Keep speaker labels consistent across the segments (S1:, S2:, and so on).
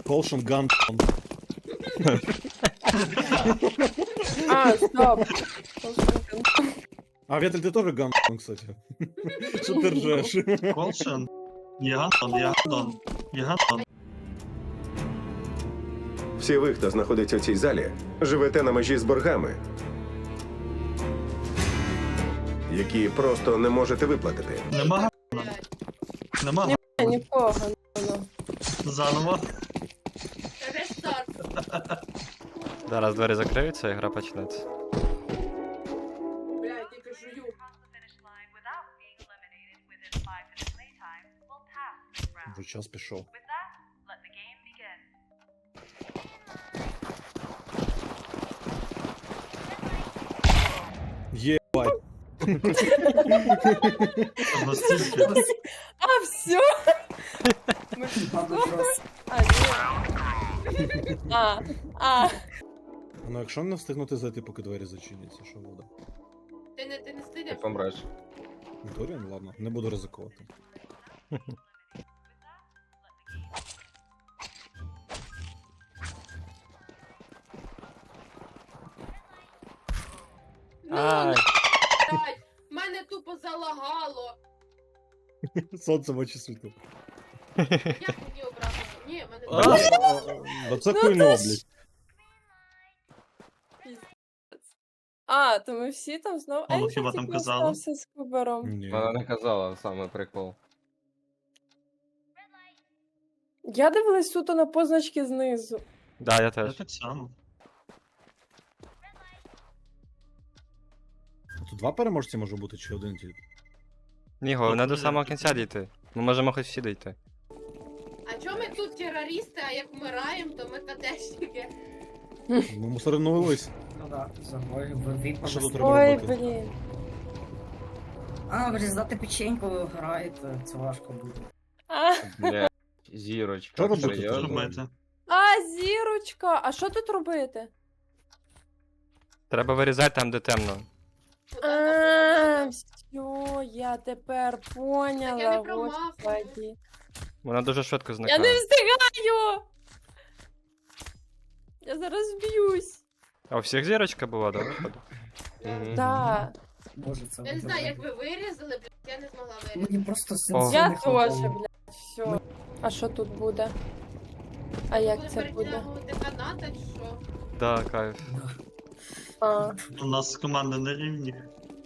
S1: Колшин ган.
S2: А, стоп.
S1: А, Ветель, ты тоже ган, кстати. Что ты ржешь?
S3: Колшин? Я Гандон.
S4: Всі ви, хто знаходиться в цій залі, живете на межі з боргами, які просто не можете виплатити.
S3: Нема Нема
S2: Нікого.
S3: заново.
S5: Рестарт.
S6: Зараз двері закриються і гра почнеться.
S5: Блядь, тільки жую.
S1: Уже час пішов. Ебать.
S3: Настільки.
S2: А, все? А, ні.
S1: Ну, якщо не встигнути зайти, поки двері зачиняться, що буде?
S5: Ти не стидиш?
S7: Помреш.
S1: Вікторія? Ну ладно, не буду ризикувати.
S5: Ну,
S6: Ай.
S5: блядь, мене тупо залагало.
S1: Сонце в очі світло.
S5: Як мені обрати? Ні, мене
S1: Да це хуйно, блядь.
S2: А, то ми всі там знову.
S3: Ну,
S2: я
S3: хіба
S2: тільки
S3: там казала?
S2: остався з Кубером.
S1: Ні.
S7: Вона не казала, саме прикол.
S2: Я дивилась суто на позначки знизу.
S6: Да, я
S3: Я
S6: теж.
S3: так само.
S1: Тут два переможці може бути, чи один тільки?
S6: Ні, головне до самого кінця дійти. Ми можемо хоч всі дійти.
S5: А чому ми тут терористи, а як вмираємо, то ми катешники?
S1: Ми мусорнулись.
S8: Ну да, забой, ви
S1: Що тут
S2: Ой,
S1: робити?
S2: блін.
S8: А, врізати печеньку граєте, це важко буде.
S2: А,
S7: Бля, зірочка.
S1: Що робити
S7: серйозно?
S1: тут?
S3: Робити.
S2: зірочка. А що тут робити?
S6: Треба вирізати там, де темно.
S2: А, все, я тепер
S5: Так я
S2: поняла.
S5: не промахую.
S2: Господи.
S6: Вона дуже швидко
S2: Я
S6: зникає.
S2: не встигаю! Я зараз б'юсь.
S6: А у всіх зірочка була, да, виходить?
S7: Мгм.
S2: Да.
S8: Боже, це
S5: Я не знаю, як
S8: буде.
S5: ви вирізали, блядь, я не змогла вирізати.
S8: Мені просто
S6: О.
S8: сенсу
S2: Я
S8: не
S2: теж,
S8: хватало.
S2: блядь, все. А що тут буде? А як
S5: Буде
S2: це буде?
S5: перетягувати каната чи що?
S6: Да, кайф.
S2: А,
S3: У нас команда на рівні.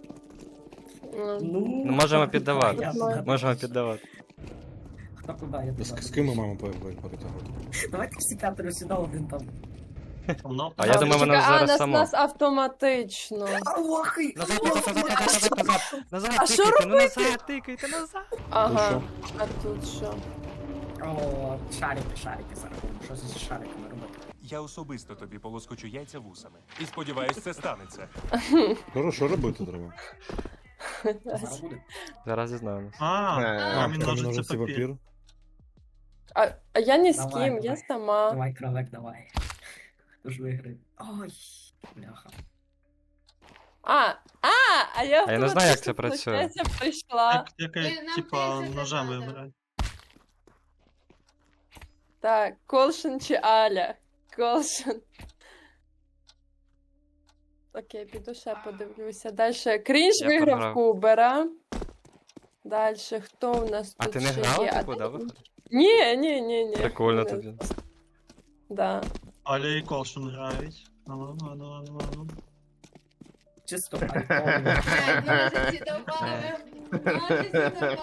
S6: Ну, можемо піддавати.
S8: Я
S2: Можемо.
S8: туди.
S6: Можемо піддавати.
S8: Хто куди, я туди.
S1: З ким ми маємо перетягувати?
S8: Давайте всі п'ятеро сюди, один там.
S3: Воно
S6: А я думаю, воно
S2: чекай,
S6: зараз
S2: нас,
S6: само.
S2: нас автоматично.
S8: Аллахи!
S6: Назад, назад, назад, назад, назад, назад,
S2: А що
S6: тикайте, ну назад, тикайте, назад.
S2: Ага. А тут що?
S8: О, шарики зараз. Що з шариками робити?
S9: Я особисто тобі полоскочу яйця вусами. І сподіваюсь, це станеться.
S1: Що робити треба?
S8: Зараз буде.
S6: Зараз дізнаємось.
S3: А, камінь,
S1: камінь,
S3: ножиці, папір.
S2: А я ні з
S8: Давай,
S2: ким, я
S8: давай.
S2: сама.
S8: Давай, кровек, давай. Хто ж виграє? Ой, бляха.
S2: А я
S6: А я не знаю, як це
S2: автоматично,
S6: працює.
S2: виходить, прийшла.
S5: Нам
S3: Типа,
S5: теж
S3: ножем
S5: не надо.
S3: вибирати.
S2: Так, Колшин чи Аля? Колшин. Окей, піду ще подивлюся. Дальше Крінж
S6: Я
S2: виграв
S6: програв.
S2: Кубера. Дальше, хто у нас
S6: А
S2: тут
S6: ти не
S2: ще
S6: грала,
S2: є?
S6: типу, да, виходить?
S2: Ні.
S6: Прикольно тобі.
S2: Да.
S3: Аля і Колшин грають. Ну.
S8: Чисто
S5: Блядь,
S8: прикольно.
S5: ножиці добавив. Ножиці добавив.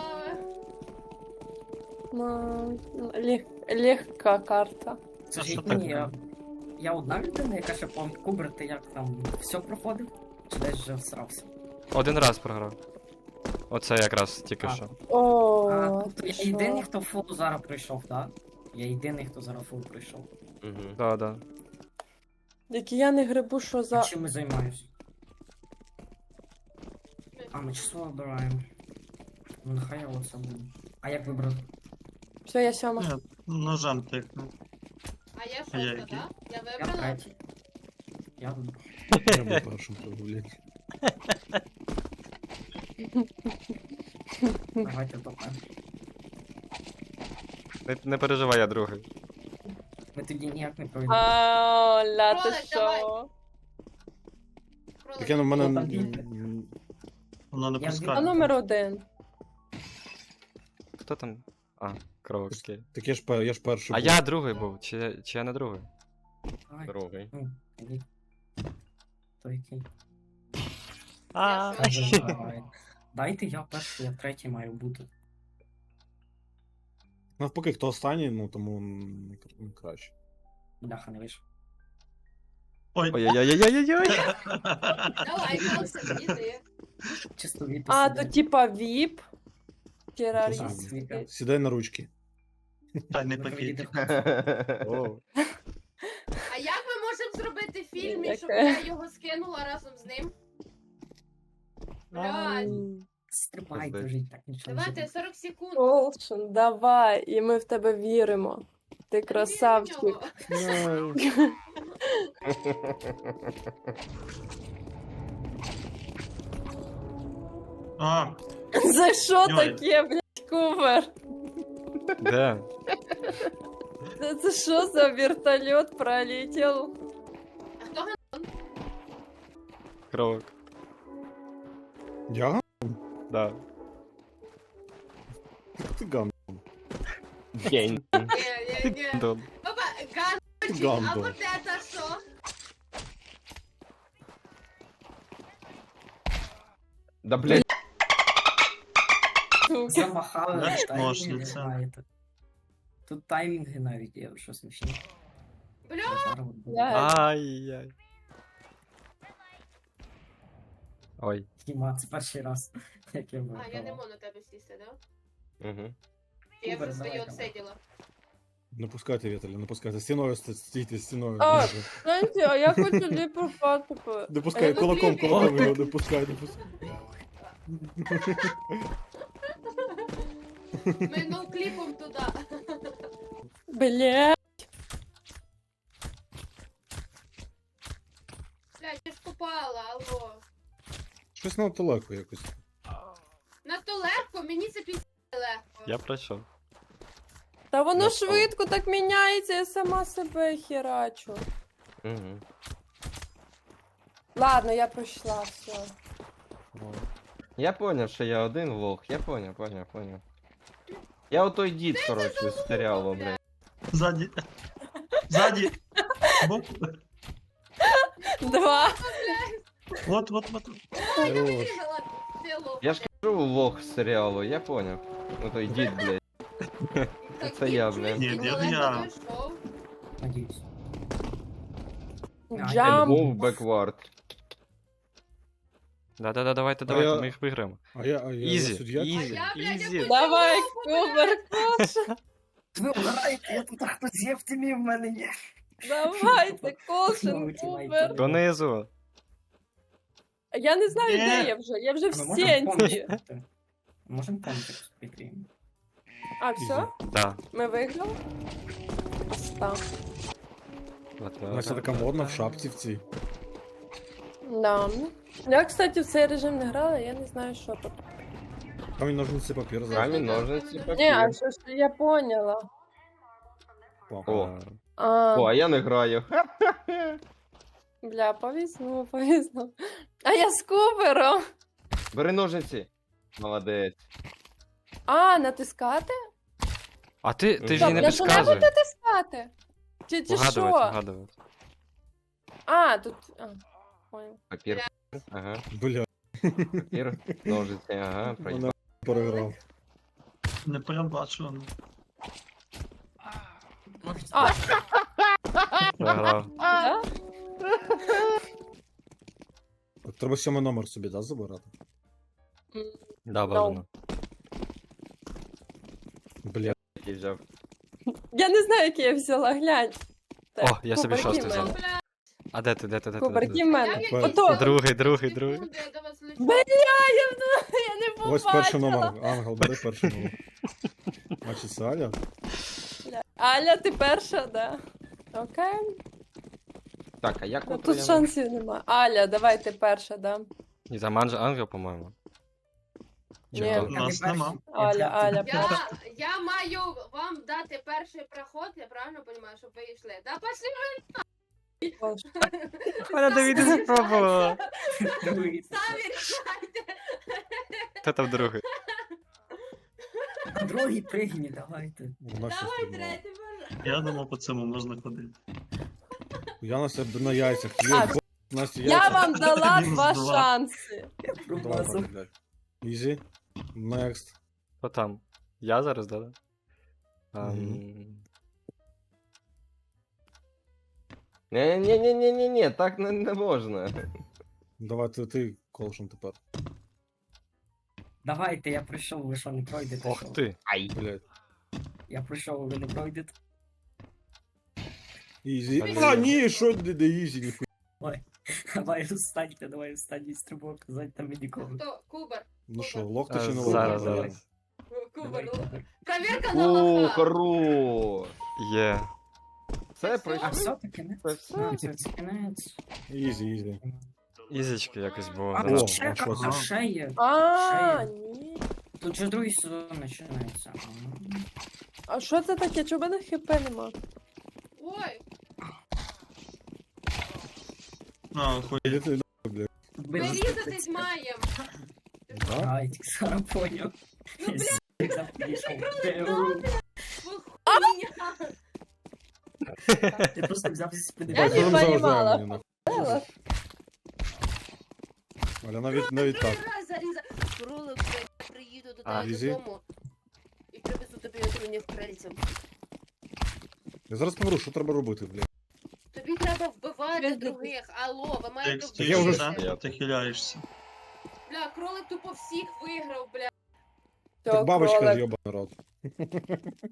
S2: Ну, легка карта.
S8: Скажіть мені, я одна людина, яка ще помнить, Кубер, ти як там все проходив? Чи десь вже всрався?
S6: Один раз програв. Оце якраз тільки
S8: А.
S6: що.
S2: О,
S8: Тобто
S2: ти
S8: я
S2: що?
S8: єдиний, хто фул зараз прийшов, так? Я єдиний, хто зараз фул прийшов.
S7: Мгм.
S6: Да, да.
S2: Які я не грибу, що
S8: А
S2: за...
S8: чим ми займаємось? А, ми число обираємо. Ну нехай я оце буду. А як вибрати?
S2: Все, я сьома.
S3: Ні, ножем тикну.
S5: А я
S3: А я
S5: шоста,
S8: Я
S3: який?
S5: так? Я вибрала?
S8: третій. Я вибрав.
S1: Я був першим, блядь.
S8: Давайте топе.
S6: Не переживай, я другий.
S8: Ми тоді ніяк не пройдемо.
S2: Аля, ти
S5: Кролик, давай.
S2: що?
S5: Кролик.
S1: Таке в мене.
S8: О, там бігти.
S3: Воно не
S8: Я
S2: А
S3: пускає.
S2: номер 1.
S6: Хто там? А, кролик, окей.
S1: Так я ж перший.
S6: А
S1: був.
S6: я другий був, чи я не другий?
S8: Давай.
S7: Другий.
S8: Ну, іди. То який?
S6: А,
S8: Давай. Дайте я перший, я третій маю бути.
S1: Навпаки, хто останній, ну тому краще.
S8: Бляха, не вийшов.
S3: Ой,
S6: Ой-ой-ой-ой-ой-ой!
S5: Давай, Колсен, іди.
S8: Чисто від
S2: А, то типа VIP.
S8: Ага.
S2: Террорист.
S1: Сідай на ручки.
S3: тайний пакетик.
S6: О,
S5: А як ми можемо зробити фільм, і щоб
S2: Яке?
S5: я його скинула разом з ним? Блядь.
S8: Стрибай,
S6: Пиздець.
S8: дуже так нічого не
S5: Давайте
S8: буде.
S5: 40 секунд.
S2: Колшин, давай, і ми в тебе віримо. Ти красавчик.
S5: Вірю в нього.
S3: А,
S2: За що
S3: Ой.
S2: таке, блядь, Кубер?
S6: де?
S2: Це що за вертольот пролетів?
S5: А хто
S6: Кролик.
S1: Я?
S6: Да.
S1: Ти гам.
S7: День.
S5: Ні.
S6: Дон.
S5: Папа, ганочек, а
S1: Гандон.
S5: вот это що?
S7: Да блядь.
S8: Замахали,
S3: Знаєш,
S8: таймінги
S3: ножниця.
S8: маєте. Тут таймінги навіть є, що смішно.
S5: Бля,
S8: Зараз от буде.
S6: Ай-яй. Ой.
S8: Діма, це перший раз, як я
S5: а я не
S8: виграв.
S5: можу на тебе сісти, да?
S7: Угу.
S5: Я
S8: Супер,
S5: вже свої
S8: давай, давай.
S5: отсиділа.
S1: Не пускайте, Віталій, не пускайте. Стіною стійте, стіною.
S2: А, знаєте, а я хочу ліпрохати.
S1: Не пускай,
S5: ну,
S1: кулаком
S5: кліпі.
S1: його, не пускай, не пускай.
S5: Ми ноукліпом туди.
S2: Бля.
S5: Блядь, я ж попала, алло.
S1: Щось надто легко якось.
S5: Надто легко, мені це пізде легко.
S6: Я пройшов.
S2: Та воно
S7: Ну,
S2: швидко так міняється, я сама себе херачу.
S7: Угу.
S2: Ладно, я пройшла, все.
S7: Я поняв, що я один лох. Я поняв. Я отой дід, коротше, з серіалу, блядь.
S3: ззаді. Ззаді. Боку.
S2: 2.
S3: Вот.
S5: О, я вирізала село.
S7: Я ж кажу лох з серіалу, я поняв. Отой дід, блядь. це я, блядь.
S3: Ні, я.
S8: Надіюсь.
S2: Джамп.
S7: Мов беквард.
S6: Да-да-да, давайте,
S1: А
S6: давайте,
S1: я-
S6: ми їх виграємо.
S1: А я
S6: Ізі,
S1: суддя?
S6: ізі,
S5: А я, блядь,
S6: ізі.
S5: я
S2: Давай,
S5: хочу
S2: Кубер, Коша.
S8: Ви вмираєте, я тут хтось є в тімі в мене є.
S2: Давайте, Колшин,
S8: Знову тімейт.
S2: Кубер.
S6: Донизу.
S2: Я не знаю,
S3: Ні.
S2: де я вже. Я вже в
S8: А ми можемо
S2: сенті.
S8: помнити? Можемо помнити прикріємо.
S2: А, все?
S6: Да.
S2: Ми виграли? Остав.
S1: Настя така модна в шапці в цій.
S2: Да. Я, кстати, в цей режим не грала, я не знаю, що тут.
S1: Камінь, ножниці, папір зараз.
S7: Камінь, ножниці,
S2: Ні, а
S7: папір.
S2: що ж я поняла.
S7: О.
S2: А,
S7: О, а я не граю.
S2: бля, повезло. А я з Кубером.
S7: Бери ножниці. Молодець.
S2: А, натискати?
S6: А ти ж їй
S2: Стоп,
S6: не
S2: я що не буду
S6: підказуй.
S2: натискати? Чи
S6: Вгадувати,
S2: що?
S6: вгадувати.
S2: А, тут... А, понял.
S7: Папір. Ага.
S1: Бля,
S7: Папір. Ножиці, ага. Пройшов.
S1: мене переграв.
S3: Не прям бачу.
S2: А,
S6: Програв.
S2: да?
S1: Так треба 7 номер собі, да, забирати?
S6: Да, бажано.
S1: Бля,
S7: Який взяв.
S2: Я не знаю, який я взяла, глянь. Так,
S6: О, я собі
S2: Кубер,
S6: шостий
S2: який в
S6: взяв.
S2: мене?
S5: Бля,
S6: А де ти?
S2: Кубер, який в
S5: я
S2: мене?
S5: в якійсь
S2: Ото.
S6: Другий.
S5: секунди до вас лечу.
S2: Бля, я не побачила.
S1: ось перший номер. Ангел, бери перший номер. Значить, це Аля.
S2: Бля. Аля, ти перша, да. Окей.
S7: Так, а як
S2: Ну,
S7: от
S2: тут шансів нема. Аля, давай ти перша, да.
S6: Ні, там Ангел, по-моєму.
S2: Ні.
S3: У нас нема.
S2: Аля.
S5: Я маю вам дати перший проход, я правильно розумію, щоб ви йшли. Да пошли
S6: Вона Давіда спробувала.
S8: Другий.
S5: самі рішайте.
S6: Хто там другий?
S8: Другий пригні, давайте.
S1: Вона щось
S5: Давай
S1: придумала.
S5: третій, боже.
S3: Я думав, по цьому можна ходити.
S1: Я на себе на яйцях.
S2: А,
S1: Є, Настя,
S2: Я
S1: яйця.
S2: вам дала
S3: Мінус
S2: 2
S3: два.
S2: шанси.
S1: Давай,
S8: Промазав.
S1: блядь. Easy. Next.
S6: Хто там? Я зараз, да?
S7: Ні, так не можна.
S1: Давай ти колшин тепер.
S8: Давайте, я пройшов, ви що не пройдете?
S6: Ох
S8: що?
S6: ти.
S1: Блядь.
S8: Я пройшов, ви не пройдете.
S1: Easy.
S6: Блін.
S1: А, ні, що де easy, ніхуя.
S8: Давай встаньте, давай останній стрибок, зайдьте мені кого.
S5: Хто? Кубер.
S1: Ну що, лохта чи не
S6: Зараз,
S1: лохта?
S6: зараз.
S5: Кубер.
S8: Давай.
S5: Проверка на
S7: О,
S5: лоха.
S7: хорош!
S6: Є.
S7: Це
S8: А
S7: пройшли.
S8: все-таки не?
S7: Це все.
S8: Це кінець.
S1: Easy.
S6: Ізічки якось було.
S8: А,
S1: О,
S6: зараз.
S8: ще,
S1: що
S8: а
S3: це?
S8: ще є.
S2: А, ні.
S8: Тут же другий сезон починається.
S2: А що це таке? Чого в мене хп нема?
S5: Ой,
S3: А, хуй.
S1: Іди ти, блядь.
S5: ми різатись маємо.
S1: Да?
S8: Ай, зараз поняв.
S5: Ну, блядь,
S8: Я просто взяв зі спини.
S2: Я не
S1: Давай, заважай
S2: понімала.
S1: мені, нахуй. Аля, навіть так.
S5: раз зарізав. Кролик, блядь, я приїду до
S6: А,
S5: тебе
S1: Лізі?
S5: додому і привезу тобі отруйних крильців.
S1: Я зараз помру, що треба робити, блядь?
S5: Тобі треба вбивати
S2: Привезти.
S5: других. Алло, ви
S3: Ти
S5: маєте
S3: як
S1: Я
S3: стоїш,
S1: вже
S5: вбивати.
S3: да? Ти хиляєшся.
S5: Бля, кролик тупо всіх виграв, бля.
S1: Так бабочка йобаний рот.